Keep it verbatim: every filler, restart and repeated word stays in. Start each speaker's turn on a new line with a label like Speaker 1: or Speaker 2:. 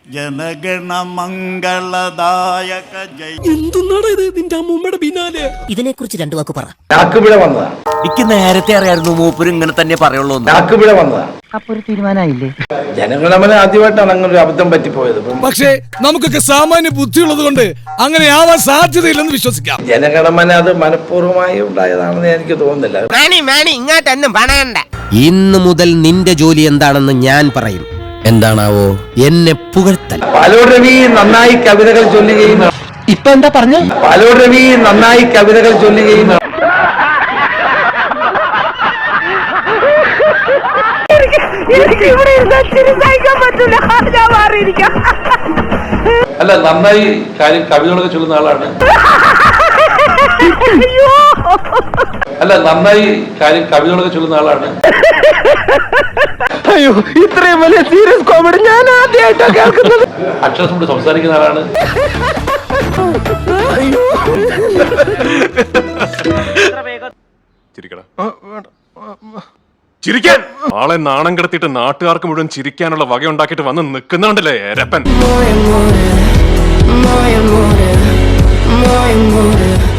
Speaker 1: ജനഗണമംഗളദായക ജയ.
Speaker 2: എന്തുന്നാണ് ഇത് നിന്റെ അമ്മൂമ്മയുടെ പിന്നാലെ?
Speaker 3: ഇതിനെ കുറിച്ച് രണ്ടു വാക്ക് പറ.
Speaker 4: നാക്കുപിഴ വന്നതാ.
Speaker 5: എനിക്ക് നേരത്തെ അറിയായിരുന്നു മൂപ്പര് ഇങ്ങനെ തന്നെ പറയുള്ളൂ.
Speaker 4: നാക്കുപിഴ വന്നതാ.
Speaker 3: അപ്പൊ ഒരു തീരുമാനമായില്ലേ?
Speaker 4: ജനഗണമന ആദ്യമായിട്ടാണ് അങ്ങനെ ഒരു അബദ്ധം പറ്റിപ്പോയത്.
Speaker 2: പക്ഷേ നമുക്കൊക്കെ സാമാന്യ ബുദ്ധിയുള്ളത് കൊണ്ട് അങ്ങനെ ആവാൻ സാധ്യതയില്ലെന്ന് വിശ്വസിക്കാം.
Speaker 4: ജനഗണമന അത് മനഃപൂർവ്വമായി ഉണ്ടായതാണെന്ന് എനിക്ക് തോന്നുന്നില്ല.
Speaker 5: ഇന്ന് മുതൽ നിന്റെ ജോലി എന്താണെന്ന് ഞാൻ പറയും. എന്താണാവോ? എന്നെ പുകഴ്ത്തൽ.
Speaker 4: പാലോട് രവി നന്നായി കവിതകൾ ചൊല്ലുകയും
Speaker 3: ഇപ്പൊ എന്താ പറഞ്ഞു?
Speaker 4: പാലോട് രവി നന്നായി കവിതകൾ ചൊല്ലുകയും
Speaker 6: അല്ല, നന്നായി കാര്യം കവിതകളൊക്കെ ചൊല്ലുന്ന ആളാണ്. അല്ല, നന്നായി കാര്യം കവിതകളൊക്കെ ചൊല്ലുന്ന ആളാണ്.
Speaker 3: അയ്യോ, ഇത്രയും വലിയ സീരിയസ് കോമഡി ഞാൻ ആദ്യമായിട്ടാണ് കേൾക്കുന്നത്.
Speaker 6: അക്ഷരം കൊണ്ട് സംസാരിക്കുന്ന ആളാണ്.
Speaker 7: ചിരിക്കാൻ ആളെ നാണം കിടത്തിയിട്ട് നാട്ടുകാർക്ക് മുഴുവൻ ചിരിക്കാനുള്ള വക ഉണ്ടാക്കിയിട്ട് വന്ന് നിൽക്കുന്നുണ്ടല്ലേ രപ്പൻ.